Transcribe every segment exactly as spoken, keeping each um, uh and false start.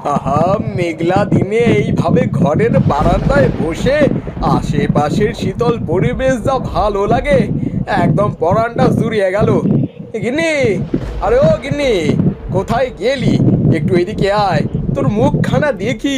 আহা, মেঘলা দিনে এইভাবে ঘরের বারান্দায় বসে আশেপাশের শীতল পরিবেশ যা ভালো লাগে, একদম পরানটা জুড়িয়ে গেল। গিন্নি, আরে ও গিন্নি, কোথায় গেলি? একটু এদিকে আয়, তোর মুখখানা দেখি।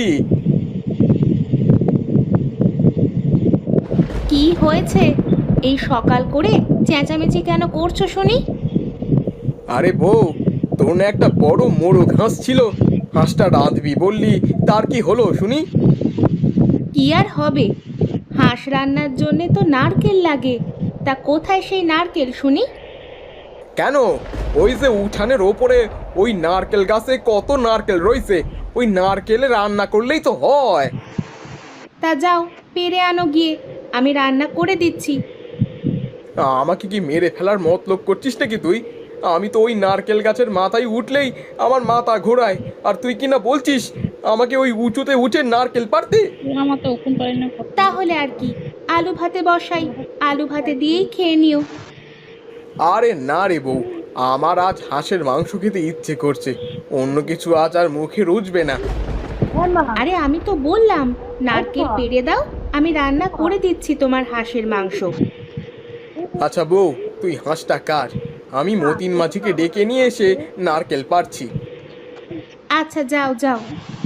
কি হয়েছে? এই সকাল করে চেঁচামেচি কেন করছো শুনি? আরে বউ, তোর না একটা বড় মোরগ হাঁস ছিল, হাঁসটা রাঁধবি বললি, তার কি হলো শুনি? কি আর হবে, হাঁস রান্নার জন্যে তো নারকেল লাগে। তা কোথায় সেই নারকেল শুনি? কেন? ওই যে উঠানের ওপরে ওই নারকেল গাছে কত নারকেল রয়েছে, ওই নারকেলে রান্না করলেই তো হয়। তা যাও, পেরে আনো গিয়ে, আমি রান্না করে দিচ্ছি। আমাকে কি মেরে ফেলার মতলব করছিস নাকি তুই? আমি তো ওই নারকেল গাছের মাথায় উঠলেই আমার মাথা ঘোরায়, আর তুই কি না বলছিস আমাকে ওই উঁচুতে উঠে নারকেল পারতে? তাহলে আর কি, আলু ভাতে বসাই, আলু ভাতে দিয়েই খেয়ে নিও। আরে না রে বউ, আমার আজ হাঁসের মাংস খেতে ইচ্ছে করছে, অন্য কিছু আজ আর মুখে রুচবে না। আরে আমি তো বললাম নারকেল পেড়ে দাও, আমি রান্না করে দিচ্ছি তোমার হাঁসের মাংস। আচ্ছা বউ, তুই হাঁসটা কাট, আমি মতিন মাঝিকে ডেকে নিয়ে এসে নারকেল পাড়ছি। আচ্ছা যাও যাও।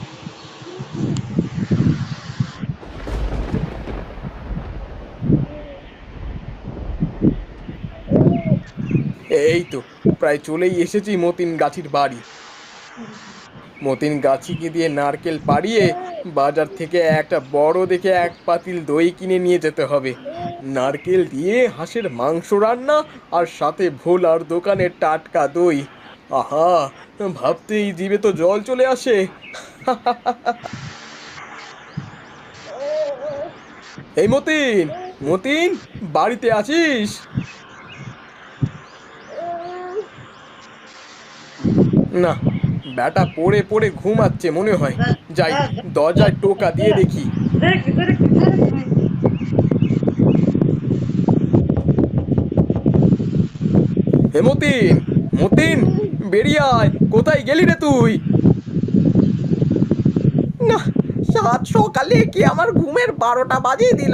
এই তো প্রায় চলেই এসেছি মতিন গাছির বাড়ি। মতিন গাছিকে দিয়ে নারকেল পাড়িয়ে বাজার থেকে একটা বড় দেখে এক পাতিল দই কিনে নিয়ে যেতে হবে। নারকেল দিয়ে হাঁসের মাংস রান্না, আর সাথে ভোলার দোকানের টাটকা দই। আহা, ভাবতেই জিভে তো জল চলে আসে। এই মতিন, মতিন, বাড়িতে আছিস? না, ব্যাটা পড়ে পড়ে ঘুমাচ্ছে মনে হয়। যাই, দরজায় টোকা দিয়ে দেখি। হে মতিন, মতিন, বেরিয়ে আয়, কোথায় গেলি রে তুই? না, সাত সকালে কি আমার ঘুমের বারোটা বাজিয়ে দিল।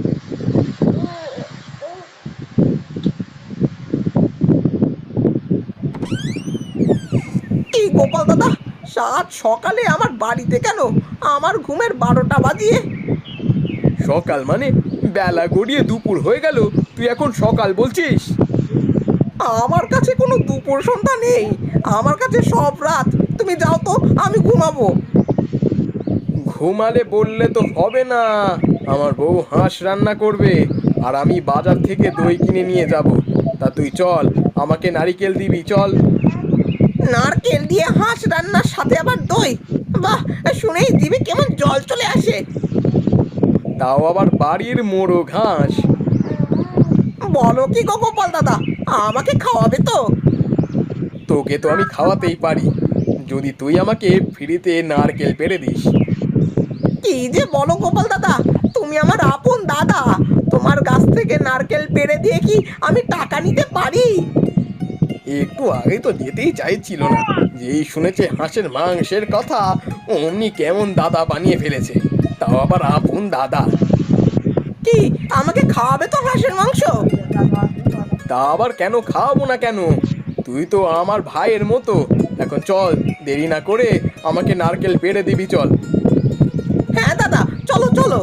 কি গোপাল দাদা, সাত সকালে আমার বাড়িতে কেন, আমার ঘুমের বারোটা বাজিয়ে? সকাল মানে বেলা গড়িয়ে দুপুর হয়ে গেল, তুই এখন সকাল বলছিস? আমার কাছে কোনো দুপুর সন্ধ্যা নেই, আমার কাছে সব রাত। তুমি যাও তো, আমি ঘুমাবো। ঘুমালে বললে তো হবে না, আমার বউ হাঁস রান্না করবে, আর আমি বাজার থেকে দই কিনে নিয়ে যাব। তা তুই চল, আমাকে নারিকেল দিবি, চল। নারকেল দিয়ে হাঁস রান্নার সাথে আবার দই? বাহ, শুনেই দিবি কেমন জল চলে আসে। তাও আবার বাড়ির মোড়ো ঘাস। বলো কি গো গোপাল দাদা, আমাকে খাওয়াবে তো? তোকে তো আমি খাওয়াতেই পারি, যদি তুই আমাকে ফ্রিতে নারকেল পেড়ে দিস। কি যে বলো গোপাল দাদা, তুমি আমার আপন দাদা, তোমার গাছ থেকে নারকেল পেড়ে দিয়ে কি আমি টাকা নিতে পারি? একটু আগে তো যেতেই চাইছিল না, যেই শুনেছে হাঁসের মাংসের কথা, অমনি কেমন দাদা বানিয়ে ফেলেছে, তাও আবার আপন দাদা। কি, আমাকে খাওয়াবে তো হাঁসের মাংস? তা আবার কেন খাওয়াবো না কেন, তুই তো আমার ভাইয়ের মতো। এখন চল, দেরি না করে আমাকে নারকেল পেড়ে দিবি, চল। হ্যাঁ দাদা, চলো চলো।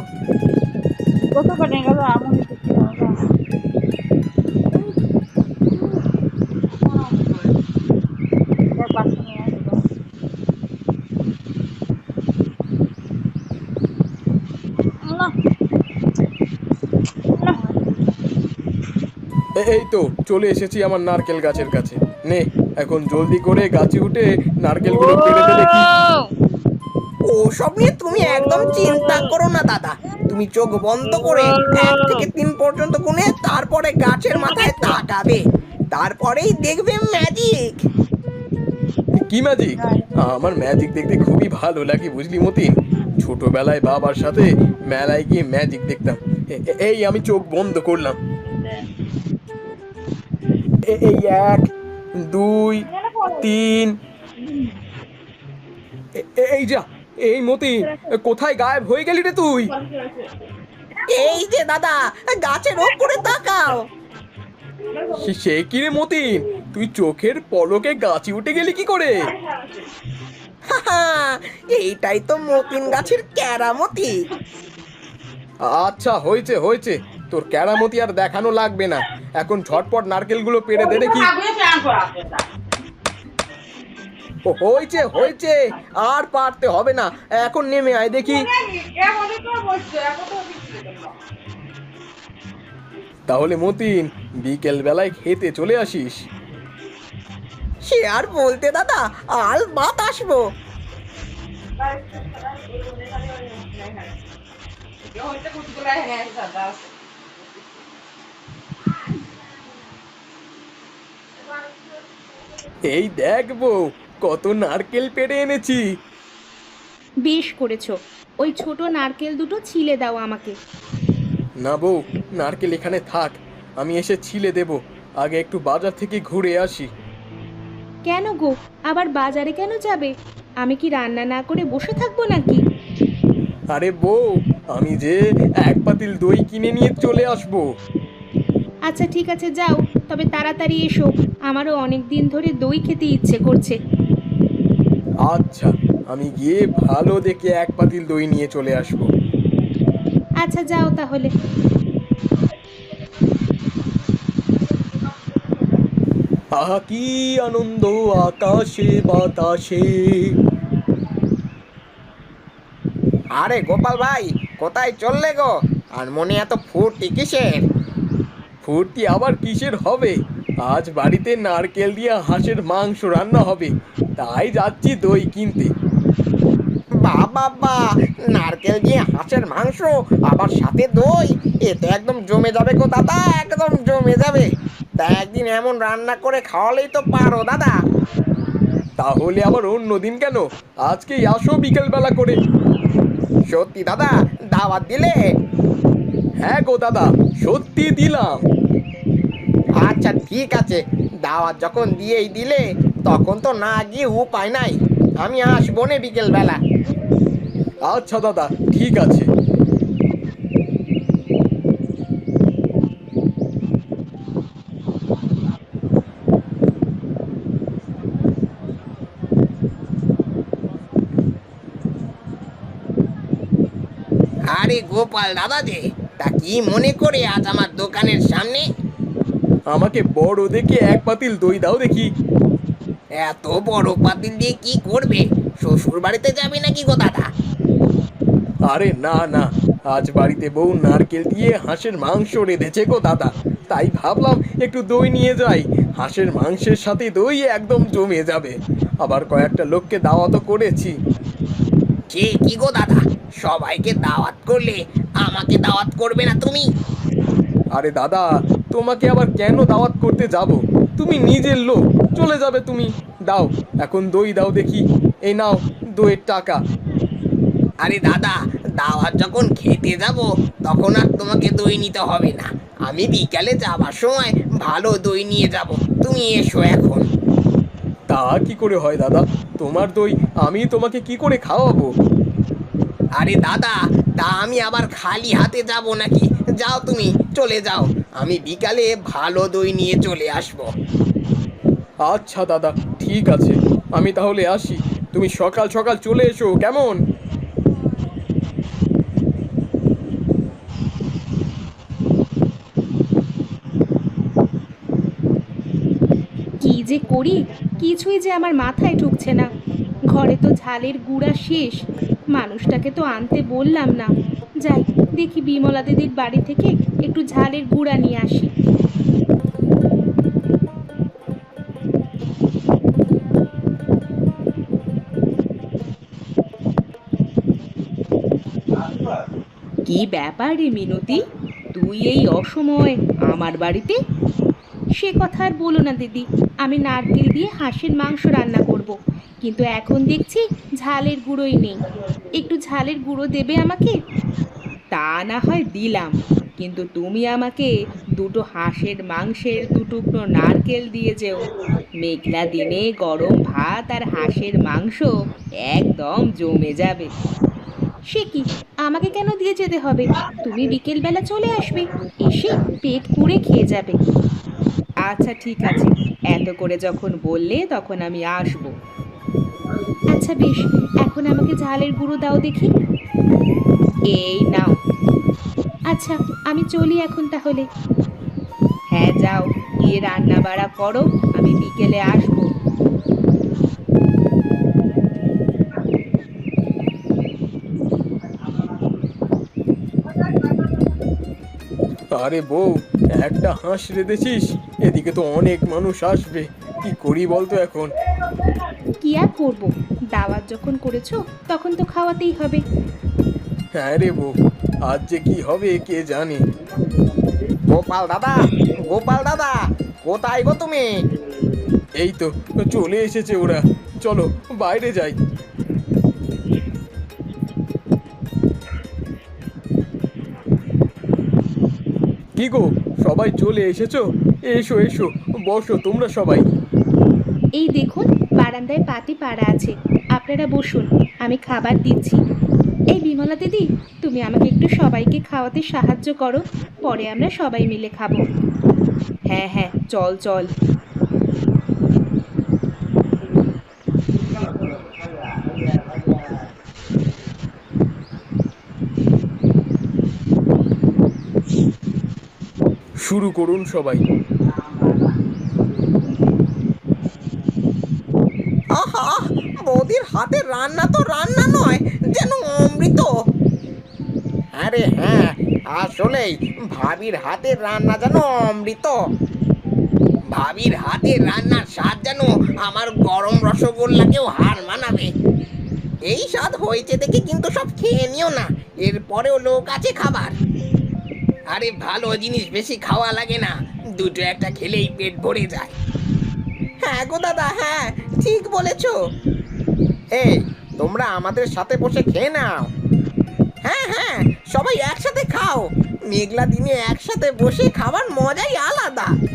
এ- এই তো চলে এসেছি আমার নারকেল গাছের কাছে। নে, এখন জলদি করে গাছে উঠে নারকেলগুলো পেড়ে দে দেখি। ওসব নিয়ে তুমি একদম চিন্তা করো না দাদা, তুমি চোখ বন্ধ করে এক থেকে তিন পর্যন্ত গুনে তারপরে গাছের মাথায় তাকাবে, তারপরেই দেখবে ম্যাজিক। কি ম্যাজিক? আমার ম্যাজিক দেখতে খুবই ভালো লাগে বুঝলি মতিন, ছোটবেলায় বাবার সাথে মেলায় গিয়ে ম্যাজিক দেখতাম। এ- এ- এই আমি চোখ বন্ধ করলাম। এ- এই এক, দুই, তিন, এ- এ- এই যা, এই মতিন, কোথায় গায়েব হয়ে গেলি রে তুই? এই যে দাদা, গাছের ওপরে তাকাও। সে- সে কি রে মতিন, তুই চোখের পলকে গাছে উঠে গেলি কি করে? হাহা, এইটাই তো মতিন গাছের কেরামতি। আচ্ছা, হয়েছে হয়েছে, তোর কেরামতি আর দেখানো লাগবে না। এখন ঝটপট নারকেলগুলো পেড়ে দে দেখি। ও, হয়েছে হয়েছে, আর পারতে হবে না, এখন নেমে আয় দেখি। তাহলে মতিন, বিকেল বেলায় খেতে চলে আসিস। সে আর বলতে দাদা, আল বাত আসবো। এই দেখ বউ, কত নারকেল পেড়ে এনেছি। বেশ করেছো। ওই ছোট নারকেল দুটো ছিলে দাও আমাকে। না বউ, নারকেল এখানে থাক, আমি এসে ছিলে দেব। আগে একটু বাজার থেকে ঘুরে আসি। কেন গো, আবার বাজারে কেন যাবে? আমি কি রান্না না করে বসে থাকবো নাকি? আরে বউ, আমি যে এক পাতিল দই কিনে নিয়ে চলে আসবো। আচ্ছা ঠিক আছে, যাও, তবে তাড়াতাড়ি এসো। আমারও অনেক দিন ধরে দই খেতে ইচ্ছে করছে। আচ্ছা, আমি গিয়ে ভালো দেখে এক পাতিল দই নিয়ে চলে আসবো। আচ্ছা যাও তাহলে। আহা কি আনন্দ আকাশে বাতাসে। আরে গোপাল ভাই, কোথায় চললে গো? আর মনে এত ফুর্তি কিসের? ফুর্তি আবার কিসের হবে? আজ বাড়িতে নারকেল দিয়ে হাঁসের মাংস রান্না হবে, তাই যাচ্ছি দই কিনতে। বাবা বা, নারকেল দিয়ে হাঁসের মাংস, আবার সাথে দই, এ তো একদম জমে যাবে গো দাদা, একদম জমে যাবে। তা একদিন এমন রান্না করে খাওয়ালেই তো পারো দাদা। তাহলে আবার অন্য দিন কেন, আজকেই আসো বিকেল বেলা করে। সত্যি দাদা, দাওয়াত দিলে? হ্যাঁ গো দাদা, সত্যি দিলাম। আচ্ছা ঠিক আছে, দাওয়াত যখন দিয়েই দিলে, তখন তো না গিয়ে উপায় নাই। আমি আসবো নে বিকেল বেলা। আচ্ছা দাদা, ঠিক আছে। আরে গোপাল দাদা যে, তা কি মনে করে আজ আমার দোকানের সামনে? আমাকে বড় দেখে এক পাতিল দই দাও দেখি। এত বড় পাতিল দিয়ে কি করবে? শ্বশুর বাড়িতে যাবে নাকি গো দাদা? আরে না না, আজ বাড়িতে বউ নারকেল দিয়ে হাঁসের মাংস রেঁধেছে গো দাদা, তাই ভাবলাম একটু দই নিয়ে যাই। হাঁসের মাংসের সাথে দই একদম জমে যাবে। আবার কয়েকটা লোককে দাওয়াতও করেছি। সে কি গো দাদা, সবাইকে দাওয়াত করলে আমাকে দাওয়াত করবে না তুমি? আরে দাদা, তোমাকে আবার কেন দাওয়াত করতে যাব? তুমি নিজের লোক, চলে যাবে তুমি। দাও, এখন দই দাও দেখি। এই নাও দইয়ের টাকা। আরে দাদা, দাওয়াত যখন খেতে যাব, তখন আর তোমাকে দই নিতে হবে না। আমি বিকালে যাবার সময় ভালো দই নিয়ে যাব, তুমি এসো এখন। তা কি করে হয় দাদা? তোমার দই আমি তোমাকে কি করে খাওয়াবো? আরে দাদা, তা আমি আবার খালি হাতে যাব নাকি? যাও তুমি, চলে যাও, আমি বিকালে ভালো দই নিয়ে চলে আসবো। আচ্ছা দাদা, ঠিক আছে, আমি তাহলে আসি। তুমি সকাল সকাল চলে এসো কেমন? কি যে করি, কিছুই যে আমার মাথায় ঢুকছে না। ঘরে তো ঝালের গুঁড়া শেষ, মানুষটাকে তো আনতে বললাম না। যাই দেখি বিমলা দিদির বাড়ি থেকে একটু ঝালের গুঁড়া নিয়ে আসি। কি ব্যাপার রে মিনতি, তুই এই অসময় আমার বাড়িতে? সে কথা আর বলো না দিদি, আমি নারকেল দিয়ে হাঁসের মাংস রান্না করব, কিন্তু এখন দেখছি ঝালের গুঁড়োই নেই। একটু ঝালের গুঁড়ো দেবে আমাকে? তা না হয় দিলাম, কিন্তু তুমি আমাকে দুটো হাঁসের মাংসের দু টুকরো নারকেল দিয়ে যেও। মেঘলা দিনে গরম ভাত আর হাঁসের মাংস একদম জমে যাবে। সে কি, আমাকে কেন দিয়ে যেতে হবে? তুমি বিকেলবেলা চলে আসবে, এসে পেট পুড়ে খেয়ে যাবে। আচ্ছা ঠিক আছে, এত করে যখন বললে তখন আমি আসবো। আচ্ছা বেশ, এখন আমাকে ঝালের গুঁড়ো দাও দেখি। এই নাও। আচ্ছা, আমি চলি এখন তাহলে। হ্যাঁ যাও, গিয়ে রান্না বাড়া করো, আমি বিকেলে আসবো। আরে বউ, একটা হাঁস রেঁধেছিস? এদিকে তো অনেক মানুষ আসবে, কি করি বলতো এখন? কি আর করবো, দাওয়াত যখন করেছো তখন তো খাওয়াতেই হবে। হ্যাঁ রে বউ, আজ যে কি হবে কে জানে। গোপাল দাদা, গোপাল দাদা, কোথায় গো তুমি? এই তো চলে এসেছে ওরা, চলো বাইরে যাই। কি গো, সবাই চলে এসেছো? এসো এসো, বসো তোমরা সবাই। এই দেখুন, বারান্দায় পাতি পাড়া আছে, আপনারা বসুন, আমি খাবার দিচ্ছি। এই বিমলা দিদি, তুমি আমাকে একটু সবাইকে খাওয়াতে সাহায্য করো, পরে আমরা সবাই মিলে খাবো। হ্যাঁ হ্যাঁ, চল চল। শুরু করুন সবাই। আহা, বৌদির হাতের রান্না তো রান্না নয়, যেন অমৃত। আরে হ্যাঁ, আসলেই ভাবির হাতের রান্না যেন অমৃত। ভাবির হাতের রান্নার স্বাদ যেন আমার গরম রসগোল্লাকেও হার মানাবে। এই স্বাদ হয়েছে দেখে কিন্তু সব খেয়ে নিও না, এরপরেও লোক আছে খাবার। আরে ভালো জিনিস বেশি খাওয়া লাগে না, দুটো একটা খেলেই পেট ভরে যায়। হ্যাঁ গো দাদা, হ্যাঁ ঠিক বলেছো। এই, তোমরা আমাদের সাথে বসে খেয়ে নাও। হ্যাঁ হ্যাঁ, সবাই একসাথে খাও, মেঘলা দিনে একসাথে বসে খাবার মজাই আলাদা।